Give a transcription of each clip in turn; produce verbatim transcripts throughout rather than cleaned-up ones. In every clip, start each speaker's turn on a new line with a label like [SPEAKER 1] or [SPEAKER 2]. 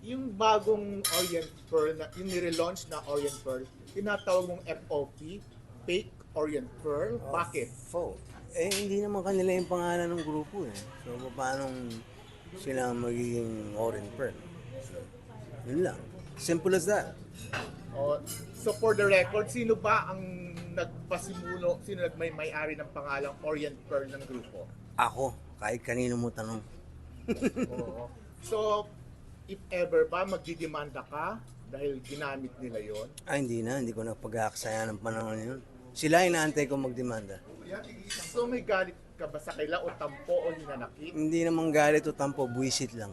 [SPEAKER 1] yung bagong Orient Pearl, na, yung nire-launch na Orient Pearl, tinatawag mong F O P, Fake Orient Pearl. Bakit?
[SPEAKER 2] Faux. Eh, hindi naman kanila yung pangalan ng grupo eh. So, paano sila magiging Orange Pearl? Yun lang. Simple as that.
[SPEAKER 1] O, so for the record, sino ba ang nagpasimulo, sino nagmay-may-ari ng pangalang Orient Pearl ng grupo?
[SPEAKER 2] Ako, kahit kanino mo tanong.
[SPEAKER 1] Oo. So, if ever ba magdidemanda ka dahil ginamit nila yon?
[SPEAKER 2] Ay, hindi na. Hindi ko na pag-aaksaya ng panahon yun. Sila inaantay ko magdemanda.
[SPEAKER 1] So may galit ka ba sa kaila o tampo o hinanakit?
[SPEAKER 2] Hindi naman galit o tampo, buwisit lang.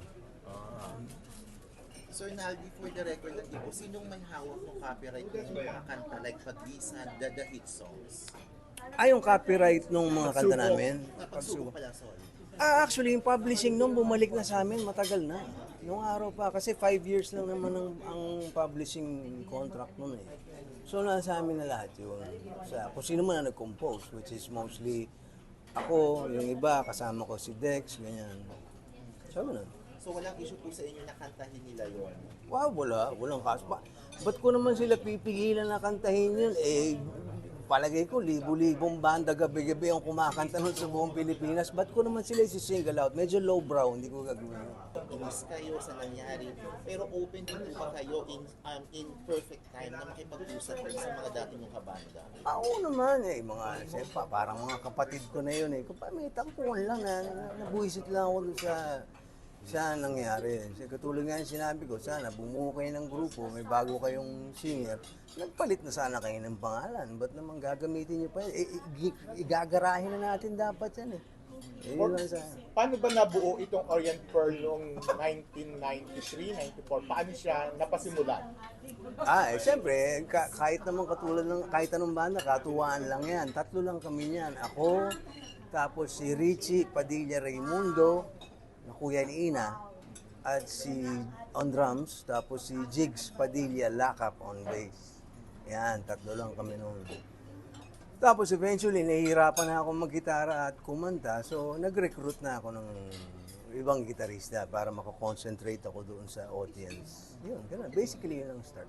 [SPEAKER 3] Sir Naldi, for the record lang po, sinong may hawak ng copyright ng mga kanta like Pag-isan, The, The Hit Songs?
[SPEAKER 2] Ay, yung copyright ng mga kanta
[SPEAKER 1] Pagsubok.
[SPEAKER 2] namin.
[SPEAKER 3] Napagsubo pala, sorry.
[SPEAKER 2] Ah, actually, yung publishing nung bumalik na sa amin, matagal na. Nung araw pa, kasi five years lang naman ang, ang publishing contract nun eh. So, nasa amin na lahat yun. Sa, kung sino man na nag-compose, which is mostly ako, yung iba, kasama ko si Dex, ganyan. So, na.
[SPEAKER 3] So walang issue po sa inyo na kantahin nila yon.
[SPEAKER 2] Wow, wala. Walang kaso. Ba, ba't ko naman sila pipigilan na kantahin yun? Eh, palagay ko, libo-libong banda gabi-gabi ang kumakanta nun sa buong Pilipinas. Ba't ko naman sila isi-single out? Medyo lowbrow, hindi ko gagawin yun.
[SPEAKER 3] Inis kayo sa nangyari, pero open din po ba kayo in, um, in perfect time na makipag-usap rin sa mga dati mong kabanda?
[SPEAKER 2] Ah, oo naman eh, mga, siyempre, parang mga kapatid ko na yun eh. Kung pa, may tampuan lang na, nabuisit lang ako dun sa sa nangyari. Kasi katulad nga yung sinabi ko, sana bumuo kayo ng grupo, may bago kayong singer, nagpalit na sana kayo ng pangalan. Ba't naman gagamitin nyo pa yun? Eh, i- igagarahin na natin dapat yan eh. Eh, yun lang sa...
[SPEAKER 1] Paano ba nabuo itong Orient Pearl noong nineteen ninety-three, ninety-four? Paano siya napasimulan?
[SPEAKER 2] Ah, eh, siyempre, ka- kahit naman katulad ng, kahit anong banda, katuwaan lang yan. Tatlo lang kami niyan. Ako, tapos si Richie Padilla Raimundo, na kuya ni Ina, at si on drums, tapos si Jigs Padilla Lakap on bass. Yan, tatlo lang kami noon. Tapos eventually, nahihirapan na ako mag-gitara at kumanta, so nag-recruit na ako ng ibang gitarista para makakonsentrate ako doon sa audience. Yun, ganun. Basically, yun ang start.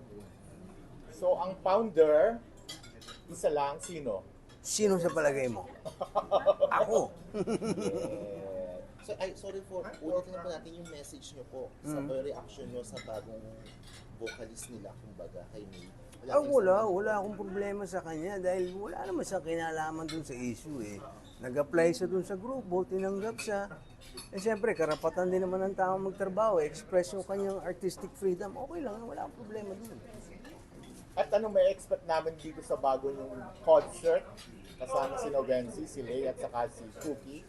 [SPEAKER 1] So ang founder, isa lang, sino?
[SPEAKER 2] Sino sa palagay mo? Ako.
[SPEAKER 3] So, ay, sorry for, ulitin na po natin yung message nyo po sa reaction nyo sa bagong vocalist nila, kumbaga, kay May.
[SPEAKER 2] Ah, wala. Wala akong problema sa kanya dahil wala naman siya kinalaman dun sa issue eh. Nag-apply siya dun sa grupo, tinanggap siya. Eh siyempre, karapatan din naman ng tao magtrabaho, express yung kanyang artistic freedom. Okay lang, wala akong problema dun.
[SPEAKER 1] At ano may expect namin dito sa bago yung concert? Kasama si Novenzi, si Lay, at saka si Cookie.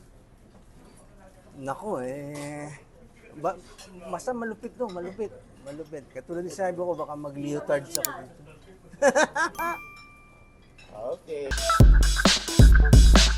[SPEAKER 2] Nako eh, ba, basta malupit to, malupit, malupit. Katulad ni sabi ko, baka mag-leotard sa ako dito.
[SPEAKER 1] Okay.